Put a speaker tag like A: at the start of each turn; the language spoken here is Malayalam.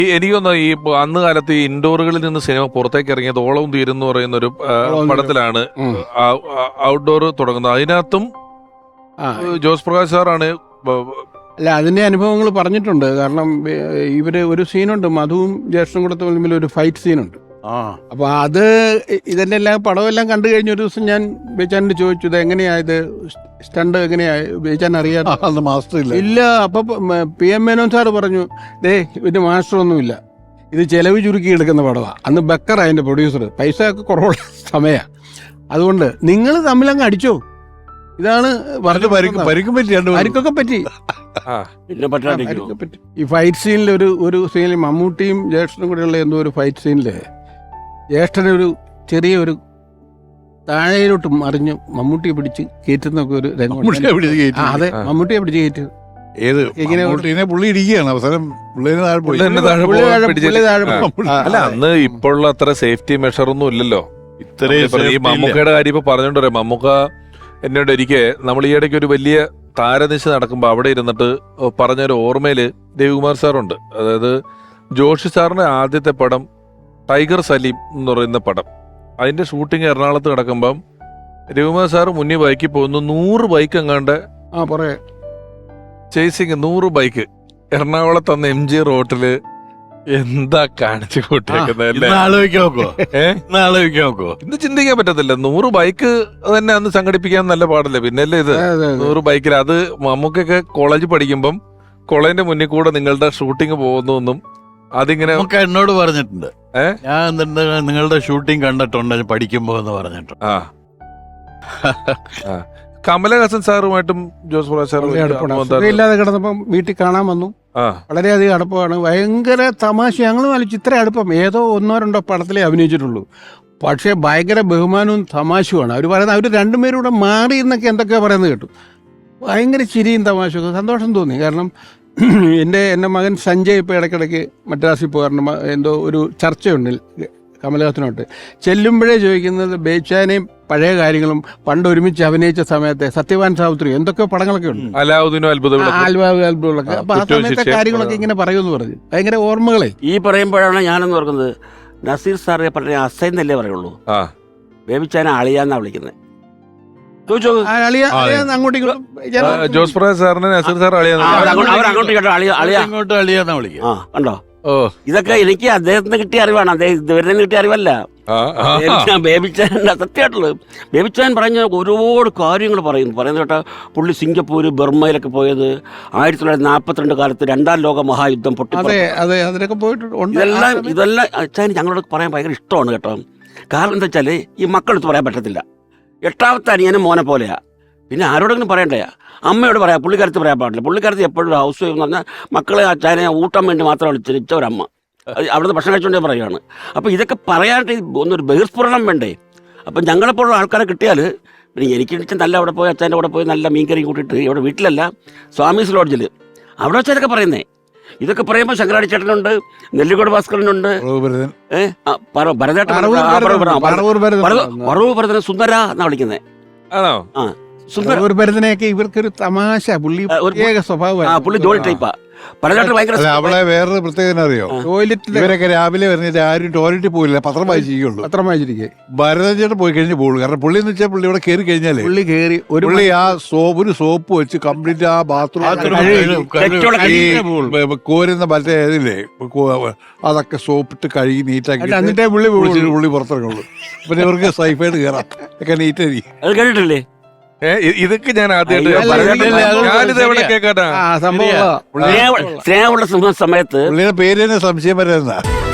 A: എനിക്കൊന്ന് ഈ അന്ന് കാലത്ത് ഈ ഇൻഡോറുകളിൽ നിന്ന് സിനിമ പുറത്തേക്ക് ഇറങ്ങിയത് ഓളവും തീരും എന്ന് പറയുന്ന ഒരു പടത്തിലാണ് ഔട്ട്ഡോർ തുടങ്ങുന്നത്. അതിനകത്തും ജോസ് പ്രകാശ് സാറാണ്.
B: അല്ല, അതിന്റെ അനുഭവങ്ങൾ പറഞ്ഞിട്ടുണ്ട്. കാരണം ഇവര് ഒരു സീനുണ്ട്, മധുവും ജ്യേഷ്ഠനും കൂടെ തമ്മിൽ ഒരു ഫൈറ്റ് സീനുണ്ട്. അപ്പൊ അത് ഇതിന്റെ എല്ലാം പടമെല്ലാം കണ്ടു കഴിഞ്ഞ ഒരു ദിവസം ഞാൻ ബേച്ചാനോട് ചോദിച്ചു, ഇത് എങ്ങനെയായത്, സ്റ്റണ്ട് എങ്ങനെയായി ബേച്ചാൻ അറിയാതെ
C: മാസ്റ്റർ
B: ഇല്ല. അപ്പൊ PM മേനോൻ സാറ് പറഞ്ഞു, ഇതിന്റെ മാസ്റ്റർ ഒന്നുമില്ല, ഇത് ചെലവ് ചുരുക്കി എടുക്കുന്ന പടമാണ്. അന്ന് ബക്കർ അതിന്റെ പ്രൊഡ്യൂസർ, പൈസ ഒക്കെ കുറവുള്ള സമയമാണ്. അതുകൊണ്ട് നിങ്ങൾ തമ്മിലങ്ങ് അടിച്ചോ. ഇതാണ് പരിക്കൊക്കെ പറ്റി. ഈ ഫൈറ്റ് സീനിൽ ഒരു സീനിൽ മമ്മൂട്ടിയും ജ്യേഷ്ഠനും കൂടെയുള്ള എന്തോ ഒരു ഫൈറ്റ് സീനില് ജ്യേഷ്ഠനൊരു ചെറിയൊരു താഴെയിലോട്ട് മറിഞ്ഞ് മമ്മൂട്ടിയെ പിടിച്ച് കയറ്റുന്നൊക്കെ ഒരു അതെ, മമ്മൂട്ടിയെ പിടിച്ച് കയറ്റി.
C: പുള്ളി ഇരിക്കുകയാണ് അവസാനം.
A: അല്ല, അന്ന് ഇപ്പോഴുള്ള അത്ര സേഫ്റ്റി മെഷർ ഒന്നും ഇല്ലല്ലോ. ഈ മമ്മൂക്കയുടെ കാര്യം ഇപ്പൊ പറഞ്ഞോണ്ട് പറയാം. മമ്മൂക്ക എന്നോട് ഒരിക്കൽ നമ്മൾ ഈ ഇടയ്ക്ക് ഒരു വലിയ താരനിശ നടക്കുമ്പോൾ അവിടെ ഇരുന്നിട്ട് പറഞ്ഞൊരു ഓർമ്മയില് രവികുമാർ സാറുണ്ട്. അതായത് ജോഷി സാറിന്റെ ആദ്യത്തെ പടം ടൈഗർ സലീം എന്ന് പറയുന്ന പടം, അതിന്റെ ഷൂട്ടിങ് എറണാകുളത്ത് കിടക്കുമ്പം രവികുമാർ സാറ് മുന്നിൽ ബൈക്കിൽ പോകുന്നു. 100 ബൈക്ക് എങ്ങാണ്ട് ചേസിങ്, 100 ബൈക്ക് എറണാകുളത്ത് അന്ന് MG റോട്ടില് എന്താ കാണിച്ചു കൂട്ടിയേക്കുന്നത്. ഇന്ന് ചിന്തിക്കാൻ പറ്റത്തില്ല. 100 ബൈക്ക് തന്നെ അന്ന് സംഘടിപ്പിക്കാൻ നല്ല പാടല്ലേ. പിന്നല്ലേ ഇത് 100 ബൈക്കിൽ. അത് നമുക്കൊക്കെ കോളേജ് പഠിക്കുമ്പം കോളേജിന്റെ മുന്നിൽ കൂടെ നിങ്ങളുടെ ഷൂട്ടിങ് പോകുന്നു. അതിങ്ങനെ
D: എന്നോട് പറഞ്ഞിട്ടുണ്ട്. ഞാൻ നിങ്ങളുടെ ഷൂട്ടിംഗ് കണ്ടിട്ടുണ്ട് പഠിക്കുമ്പോ എന്ന് പറഞ്ഞിട്ടുണ്ട്.
A: കമലഹാസൻ സാറുമായിട്ടും ജോസ് പ്രകാശ് സാറും
B: ഇല്ലാതെ കിടന്നപ്പം വീട്ടിൽ കാണാൻ വന്നു. വളരെയധികം അടുപ്പമാണ്, ഭയങ്കര തമാശ. ഞങ്ങൾ വലിച്ചു ഇത്ര അടുപ്പം ഏതോ 1-2 പടത്തിലേ അഭിനയിച്ചിട്ടുള്ളൂ. പക്ഷേ ഭയങ്കര ബഹുമാനവും തമാശയുമാണ്. അവർ പറയുന്നത് അവർ രണ്ടുപേരും കൂടെ മാറി എന്നൊക്കെ എന്തൊക്കെയാണ് പറയുന്നത് കേട്ടു. ഭയങ്കര ചിരിയും തമാശയൊക്കെ, സന്തോഷം തോന്നി. കാരണം എൻ്റെ മകൻ സഞ്ജയ് ഇപ്പോൾ ഇടയ്ക്കിടയ്ക്ക് മദ്രാസിൽ പോകാറുണ്ട്. എന്തോ ഒരു ചർച്ചയുണ്ട് കമലഹാസനോട്ട്. ചെല്ലുമ്പോഴേ ചോദിക്കുന്നത് ബേച്ചാനെയും പഴയ കാര്യങ്ങളും പണ്ട് ഒരുമിച്ച് അഭിനയിച്ച സമയത്തെ സത്യവാൻ സാവിത്രി എന്തൊക്കെ പടങ്ങളൊക്കെ ഉണ്ട്, അത്ഭുതങ്ങളൊക്കെ. അപ്പൊ ആ സമയത്തെ കാര്യങ്ങളൊക്കെ ഇങ്ങനെ പറയുമെന്ന് പറഞ്ഞു. ഭയങ്കര ഓർമ്മകളെ ഈ പറയുമ്പോഴാണ് ഞാനെന്ന് ഓർക്കുന്നത്. നസീർ സാറെ പറഞ്ഞ അസൈന്നല്ലേ പറയുള്ളൂ, ബേബിച്ചാനെ അളിയാന്നാ വിളിക്കുന്നത്.
A: ജോസ് പ്രകാശ് സാറിനെ നസീർ സാർ
D: അളിയാന്നാ വിളിക്കുക.
B: കണ്ടോ,
D: ഇതൊക്കെ എനിക്ക് അദ്ദേഹത്തിന് കിട്ടിയ അറിവാണ്, അദ്ദേഹം ഇതുവരെ കിട്ടിയ അറിവല്ല. ബേബിച്ചാൻ്റെ സത്യമായിട്ടുള്ളത്. ബേബിച്ചാൻ പറഞ്ഞ ഒരുപാട് കാര്യങ്ങൾ പറയുന്നത് കേട്ടാ. പുള്ളി സിംഗപ്പൂര് ബർമയിലൊക്കെ പോയത് 1942 കാലത്ത് 2ാം ലോക മഹായുദ്ധം ഇതെല്ലാം അച്ഛൻ ഞങ്ങളോട് പറയാൻ ഭയങ്കര ഇഷ്ടമാണ് കേട്ടോ. കാരണം എന്താ വെച്ചാൽ ഈ മക്കളെടുത്ത് പറയാൻ പറ്റത്തില്ല. 8ാമത്തെ അനിയനും മോനെ പോലെയാ. പിന്നെ ആരോടെങ്കിലും പറയണ്ടേ, അമ്മയോട് പറയാം. പുള്ളിക്കാരത്ത് പറയാൻ പാടില്ല. പുള്ളിക്കാരത്ത് എപ്പോഴും ഹൗസ് വൈഫ് എന്ന് പറഞ്ഞാൽ മക്കളെ അച്ഛനെ ഊട്ടാൻ വേണ്ടി മാത്രം വിളിച്ചിരിച്ച ഒരമ്മ, അവിടുന്ന് ഭക്ഷണം കഴിച്ചുകൊണ്ടേ പറയുകയാണ്. അപ്പോൾ ഇതൊക്കെ പറയാനായിട്ട് ഒന്നൊരു ബഹിർസ്ഫുരണം വേണ്ടേ. അപ്പം ഞങ്ങളെപ്പോഴുള്ള ആൾക്കാരെ കിട്ടിയാൽ പിന്നെ എനിക്ക് നല്ല അവിടെ പോയി അച്ഛൻ്റെ കൂടെ പോയി നല്ല മീൻകറി കൂട്ടിയിട്ട് ഇവിടെ വീട്ടിലല്ല സ്വാമീസ് ലോഡ്ജിൽ അവിടെ വെച്ചാൽ ഇതൊക്കെ പറയുന്നേ. ഇതൊക്കെ പറയുമ്പോൾ ശങ്കരാടി ചേട്ടനുണ്ട്, നെല്ലിക്കോട് ഭാസ്കരനുണ്ട്, പറവൂർ ഭരതനെ സുന്ദര എന്നാ വിളിക്കുന്നത്.
B: ഭരതനെയൊക്കെ ഇവർക്കൊരു തമാശ, പുള്ളി പ്രത്യേക സ്വഭാവം.
D: പുള്ളി ജോലി ടൈപ്പാ.
C: അവിടെ വേറൊരു പ്രത്യേകത അറിയോ, ഇവരൊക്കെ രാവിലെ വരുന്നിട്ട് ആരും ടോയ്ലറ്റിൽ പോയില്ല, പത്രം വായിച്ചിരിക്കുക. ഭരതൻ ചേട്ടൻ പോയി കഴിഞ്ഞ് പോകുള്ളൂ. കാരണം പുള്ളി എന്ന് വെച്ചാൽ പുള്ളി ഇവിടെ കയറി കഴിഞ്ഞാലേ പുള്ളി ആ ഒരു സോപ്പ് വെച്ച് കംപ്ലീറ്റ് ആ ബാത്റൂം കോരുന്ന മറ്റേ ഇതില്ലേ അതൊക്കെ സോപ്പിട്ട് കഴുകി നീറ്റാക്കി പുള്ളി പുറത്തിറങ്ങുള്ളൂ. പിന്നെ ഇവർക്ക് സൈഫായിട്ട് കയറാം ഒക്കെ നീറ്റായി.
D: അത് കേട്ടിട്ടില്ലേ?
A: ഇതൊക്കെ ഞാൻ ആദ്യമായിട്ട് കേൾക്കാട്ടാ.
D: സ്നേഹമുള്ള സമയത്ത്
C: പുള്ളിയുടെ പേര് തന്നെ സംശയം വരുന്ന